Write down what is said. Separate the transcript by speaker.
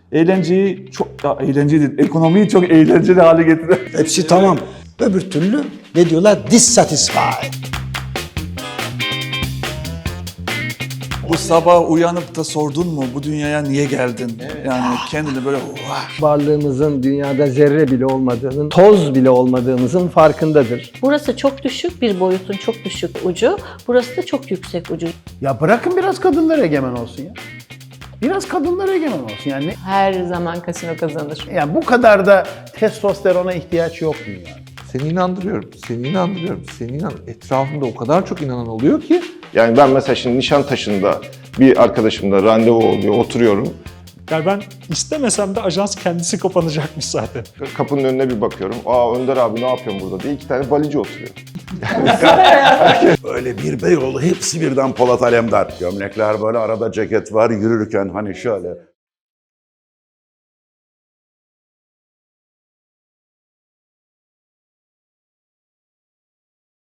Speaker 1: Eğlenceyi çok, ya eğlenceli değil, ekonomiyi çok eğlenceli hale getiriyor.
Speaker 2: Hepsi tamam. Öbür türlü ne diyorlar? Dissatisfied.
Speaker 1: Bu sabah uyanıp da sordun mu bu dünyaya niye geldin? Yani kendini böyle
Speaker 3: Varlığımızın dünyada zerre bile olmadığının, toz bile olmadığımızın farkındadır.
Speaker 4: Burası çok düşük bir boyutun çok düşük ucu, burası da çok yüksek ucu.
Speaker 5: Ya bırakın biraz kadınlar egemen olsun ya. Biraz kadınlar egemen olsun yani.
Speaker 6: Her zaman kasino kazanır.
Speaker 5: Yani bu kadar da testosterona ihtiyaç yok dünyada.
Speaker 7: Seni inandırıyorum, Etrafımda o kadar çok inanan oluyor ki.
Speaker 8: Yani ben mesela şimdi Nişantaşı'nda bir arkadaşımla randevu oluyor, oturuyorum.
Speaker 9: Yani ben istemesem de ajans kendisi kapanacakmış zaten.
Speaker 8: Kapının önüne bir bakıyorum. Aa Önder abi ne yapıyorsun burada diye 2 tane balici oturuyor.
Speaker 10: Öyle bir Beyoğlu hepsi birden Polat Alemdar. Gömlekler böyle arada ceket var yürürken hani şöyle